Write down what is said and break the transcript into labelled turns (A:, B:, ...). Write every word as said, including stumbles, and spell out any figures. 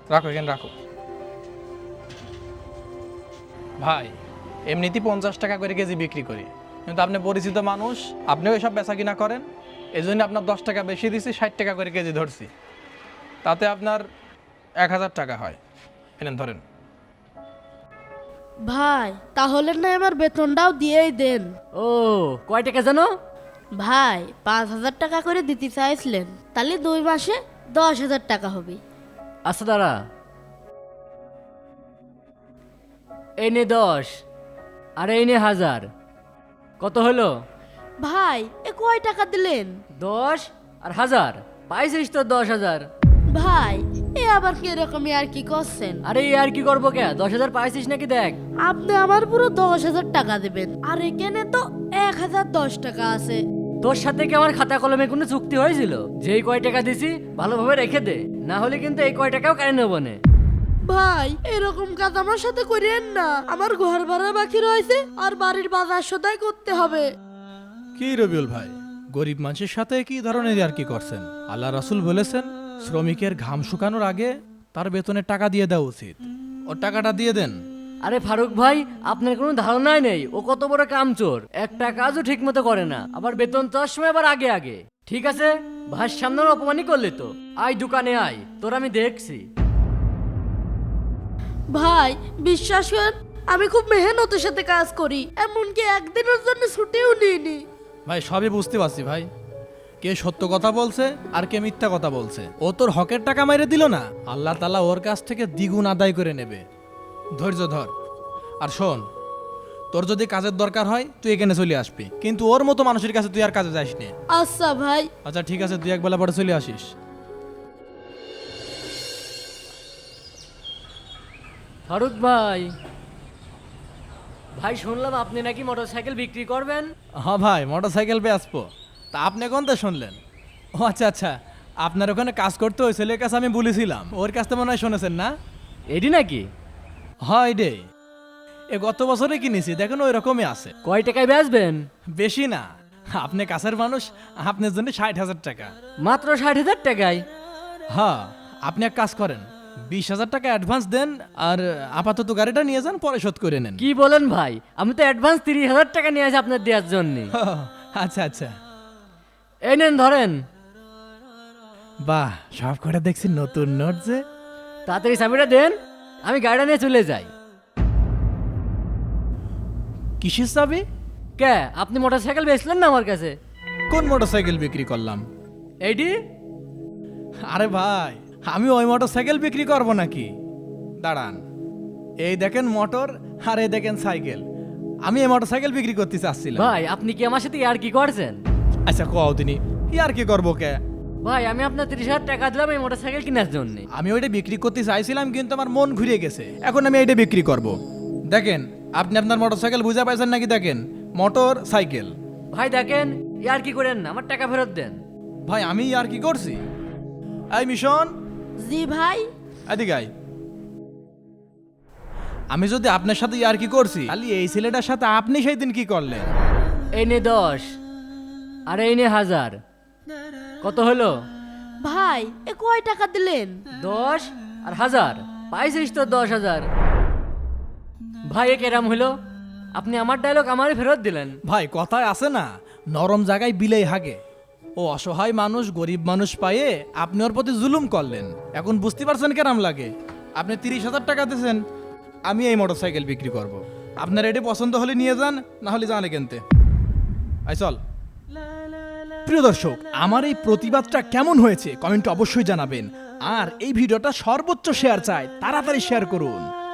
A: রাখো এখানে রাখো। ভাই এমনিতেই পঞ্চাশ টাকা করে কেজি বিক্রি করি, কিন্তু আপনি পরিচিত মানুষ, আপনিও এসব বেচা কিনা করেন, এই জন্য আপনার দশ টাকা বেশি দিছি, ষাট টাকা করে কেজি ধরছি, তাতে আপনার এক হাজার টাকা হয়। এনেন ধরেন।
B: ভাই তাহলে না আমার বেতনটাও দিয়েই দেন।
C: ও কয় টাকা জানো?
B: ভাই পাঁচ হাজার টাকা করে দিতে চাইছিলেন, তাহলে দুই মাসে দশ হাজার টাকা হবে।
C: আচ্ছা দাঁড়া, এই নে দশ আর এই নে হাজার, কত হলো?
B: ভাই এ কয় টাকা দিলেন?
C: দশ আর হাজার, পাইছিস তো দশ হাজার।
B: ভাই এ আবার কিরকমই আর কি করছেন?
C: আরে এই আর কি করবো কে, দশ হাজার পাইছিস নাকি দেখ।
B: আপনি আমার পুরো দশ হাজার টাকা দেবেন, আর এখানে তো এক হাজার দশ টাকা আছে।
C: তোর সাথে কি আমার খাতা কলমে কোনো চুক্তি হয়েছিল যে এই কয় টাকা দিছি ভালোভাবে রেখে দে, না হলে কিন্তু এই কয় টাকাও কেন নেবো না।
B: ভাই এরকম কাজ আমার সাথে করেন না, আমার ঘর ভাড়া বাকি রয়েছে আর বাড়ির বাজার সদাই করতে হবে।
A: কি রবিউল ভাই, গরিব মানুষের সাথে কি ধরনের আর কি করছেন? আল্লাহ রাসূল বলেছেন শ্রমিকের ঘাম শুকানোর আগে তার বেতনের টাকা দিয়ে দেওয়া উচিত। ওর টাকাটা দিয়ে দেন।
C: আরে ফারুক ভাই, আপনার কোনো ধারণাই নেই ও কত বড় কামচোর, একটা কাজও ঠিক মতো করে না, আবার বেতন চাওয়ার সময় আবার আগে আগে। ঠিক আছে, ভাইয়ের সামনে ওর অপমানই করলি তো, আয় দোকানে আয়, তোর আমি দেখছি।
B: ভাই বিশ্বাস করেন, আমি খুব মেহনতের সাথে কাজ করি, এমনকি একদিনের জন্য ছুটিও নিইনি।
A: ভাই সবই বুঝতে পারছি ভাই, কে সত্য কথা বলছে আর কে মিথ্যা কথা বলছে। ও তোর হকের টাকা মেরে দিল না, আল্লাহ তাআলা ওর কাছ থেকে দ্বিগুণ আদায় করে নেবে। ধৈর্য ধর, আর শোন, তোর যদি কাজের দরকার হয় তুই এখানে চলে আসবি, কিন্তু ওর মতো মানুষের কাছে তুই আর কাজে যাস না।
B: আচ্ছা ভাই।
A: আচ্ছা ঠিক আছে, তুই এক বেলা পরে চলে আসিস।
C: ফারুক ভাই, ভাই শুনলাম আপনি নাকি মোটরসাইকেল বিক্রি করবেন।
A: হ্যাঁ ভাই, মোটর সাইকেল পেয়ে আসবো। তা আপনি কোন তো শুনলেন? ও আচ্ছা আচ্ছা, আপনার ওখানে কাজ করতে ওই ছেলের কাছে আমি বলেছিলাম, ওর কাছ থেকে মনে হয় শুনেছেন না?
C: এডি নাকি?
A: হয় রে, এ গত বছরে কিনেছি, দেখেন ওই রকমই আছে।
C: কয় টাকায় বেচবেন?
A: বেশি না, আপনি কাছের মানুষ, আপনার জন্য ষাট হাজার টাকা।
C: মাত্র ষাট হাজার টাকায়?
A: হ্যাঁ, আপনি এক কাজ করেন, বিশ হাজার টাকা অ্যাডভান্স দেন, আর আপাতত গাড়িটা নিয়ে যান, পরে শোধ করে নেন।
C: কি বলেন ভাই, আমি তো অ্যাডভান্স তিরিশ হাজার টাকা নিয়ে আসি আপনার দেওয়ার জন্য।
A: আচ্ছা আচ্ছা,
C: এই নেন ধরেন।
A: বাহ, সব করে দেখছি নতুন নোট যে।
C: তাড়াতাড়ি চাবিটা দেন, আমি গাড়িটা নিয়ে চলে যাই।
A: কিসের চাবি?
C: কে, আপনি মোটরসাইকেল বেচলেন না আমার কাছে?
A: কোন মোটর সাইকেল বিক্রি করলাম?
C: এইডি?
A: আরে ভাই, আমি ওই মোটর সাইকেল বিক্রি করবো নাকি? দাঁড়ান, এই দেখেন মোটর, আর এই দেখেন সাইকেল, আমি এই মোটর সাইকেল বিক্রি করতে চাচ্ছিলাম।
C: ভাই আপনি কি আমার সাথে আর কি করছেন?
A: আচ্ছা কও তিনি, আর কি করবো কে?
C: ভাই আমি আপনার তিরিশ হাজার টাকা দিলাম এই মোটরসাইকেল কেনার জন্য।
A: আমি ওইটা বিক্রি করতে চাইছিলাম, কিন্তু আমার মন ঘুরে গেছে, এখন আমি এইটা বিক্রি করব। দেখেন, আপনি আপনার মোটর সাইকেল বুঝা পাইছেন নাকি? দেখেন, মোটর সাইকেল।
C: ভাই দেখেন, আর কি করেন না, আমার টাকা ফেরত দেন।
A: ভাই আমি আর কি করছি? এই মিশন,
B: জি ভাই।
A: এদিকে আয়। আমি যদি আপনার সাথে আর কি করছি, তাহলে এই ছেলেটার সাথে আপনি সেই দিন কি করলেন?
C: এই নে দশ আর এই নে হাজার, কত হলো?
B: ভাই এ কয় টাকা দিলেন?
C: দশ আর হাজার, পাইছিস তো দশ হাজার। ভাই এ কেরাম হলো, আপনি আমার ডায়লগ আমারই ফেরত দিলেন।
A: ভাই কথায় আছে না, নরম জায়গায় বিলেই হাগে। ও অসহায় মানুষ, গরিব মানুষ পায়ে আপনি ওর প্রতি জুলুম করলেন, এখন বুঝতে পারছেন কেরাম লাগে? আপনি তিরিশ হাজার টাকা দিয়েছেন, আমি এই মোটর সাইকেল বিক্রি করব। আপনার এটি পছন্দ হলে নিয়ে যান, না হলে জানে কিনতে। আই চল। প্রিয় দর্শক, আমার এই প্রতিবাদটা কেমন হয়েছে কমেন্টে অবশ্যই জানাবেন, আর এই ভিডিওটা সর্বোচ্চ শেয়ার চাই, তাড়াতাড়ি শেয়ার করুন।